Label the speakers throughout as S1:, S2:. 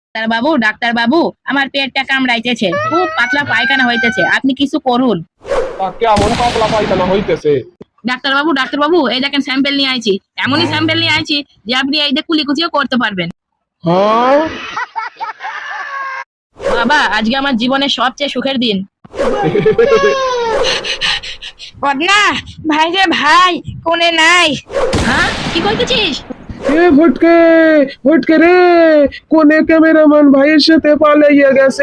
S1: Doctor বাবু, আমার পেটটা কামড়াইতেছে, খুব পাতলা পায়খানা হইতেছে, আপনি কিছু করুন।
S2: তা কেমন পাতলা পায়খানা হইতেছে?
S1: ডাক্তার বাবু, এই দেখেন স্যাম্পেল নিয়ে আইছি, এমনই স্যাম্পেল নিয়ে আইছি যে আপনি এই যে কুলিকুচিও করতে পারবেন।
S2: হ্যাঁ?
S1: বাবা, আজকে আমার জীবনের সবচেয়ে সুখের দিন। বদনা ভাই রে ভাই, কোনে নাই? হ্যাঁ, কি কইতেছিস?
S2: এ ভটকে, ভটকে রে, কোনে ক্যামেরাম্যান ভাইয়ের সাথে পালাইয়া গেছে।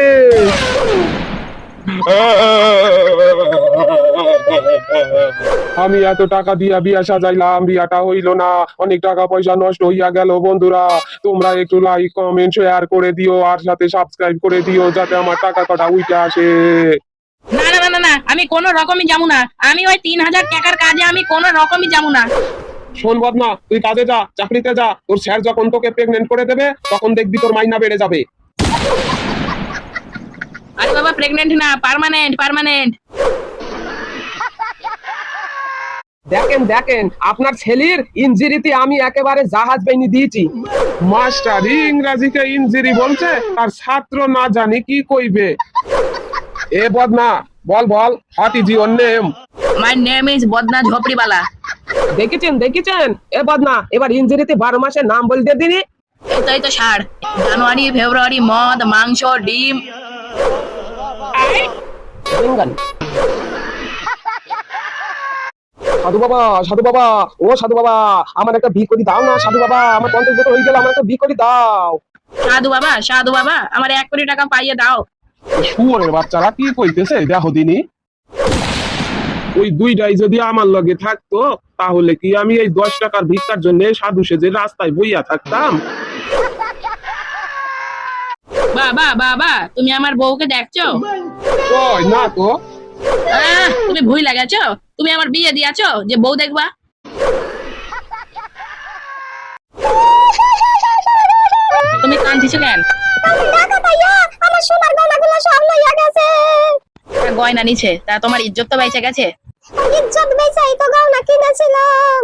S2: আমি এত টাকা দিয়া বিয়া সাজাইলাম, বিয়াটা হইল না, অনেক টাকা পয়সা নষ্ট হইয়া গেল। বন্ধুরা, তোমরা একটু লাইক কমেন্ট শেয়ার করে দিও আর সাথে সাবস্ক্রাইব করে দিও যাতে আমার টাকা কটা উঠে আসে।
S1: না না না না না, আমি কোনো রকমই যাবো না। আমি ওই 3000 টাকার কাজে আমি কোনো রকমই যাবো না।
S2: শোন বদনা, তুই কাজে যা, চাকরিতে যা। তোর স্যার যখন তোকে প্রেগনেন্ট করে দেবে তখন দেখবি তোর মাইনা বেড়ে যাবে।
S1: আরে বাবা, প্রেগনেন্ট না, পার্মানেন্ট পার্মানেন্ট।
S3: দেখেন দেখেন, আপনার ছেলের ইনজুরিতে আমি একেবারে জাহাজ বাহিনী দিয়েছি।
S2: মাস্টার ইংরাজিকে ইনজিরি বলছে, আর ছাত্র না জানি কি কইবে। এ বদনা, বল বল, what is your name?
S1: My name is Badna ঝোপড়িওয়ালা।
S3: দেখেছেন দেখেছেন, এ বদনা, এবার ইনজুরিতে 12 মাসের নাম বল দিয়ে দিনি।
S1: এই তো সার, জানুয়ারি ফেব্রুয়ারি মদ মাংস ডিম।
S3: বেঙ্গল। সাধু বাবা, সাধু বাবা, ও সাধু বাবা, আমার একটা বি করে দাও না সাধু বাবা, আমার 50 বছর হয়ে গেল, আমার একটা বি করে দাও।
S1: সাধু বাবা, আমার 1 কোটি টাকা পাইয়ে দাও।
S2: শুয়োরের বাচ্চারা কি কইতেছে দেখো দিনি। ওই দুইটাই যদি আমার লগে থাকতো তাহলে কি আমি এই 10 টাকার ভিক্ষার জন্য সাধু সেজে রাস্তায় বইয়া থাকতাম?
S1: বাবা, তুমি আমার বউকে দেখছো?
S2: কই না তো।
S1: তুমি ভুল লাগাছো, তুমি আমার বিয়ে দিয়াছো যে বউ দেখবা। তুমি কাঁদছিস কেন?
S4: আমার সোনার গয়নাগুলো সব লইয়া গেছে।
S1: গয়না নিছে, তা তোমার ইজ্জত তো বেঁচে গেছে।
S4: ইজ্জত বেচাই তো গয়না কিনেছিলাম।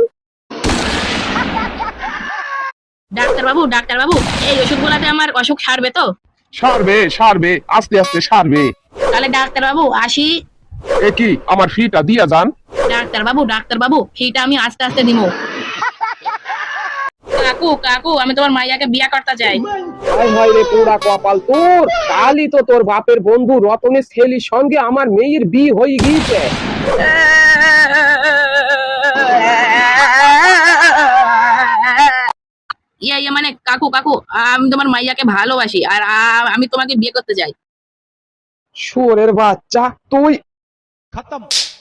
S1: ডাক্তার বাবু, এই ওষুধগুলাতে আমার অসুখ সারবে তো?
S2: সারবে সারবে, আস্তে আস্তে সারবে।
S1: তাহলে ডাক্তার বাবু আসি।
S2: এ কি, আমার ফিটা দিয়া যান।
S1: ডাক্তার বাবু, ফিটা আমি আস্তে আস্তে দিমু। কাকু, আমি তোমার মাইয়াকে বিয়া করতে চাই।
S3: হায় হায় রে পোড়া কপাল তোর, কালই তো তোর বাপের বন্ধু রতনের ছেলের সঙ্গে আমার মেয়ের বিয়ে হয়ে গিয়েছে।
S1: মানে কাকু, আমি তোমার মাইয়াকে ভালোবাসি আর আমি তোমাকে বিয়ে করতে চাই।
S3: শুয়োরের বাচ্চা তুই।
S5: खत्म।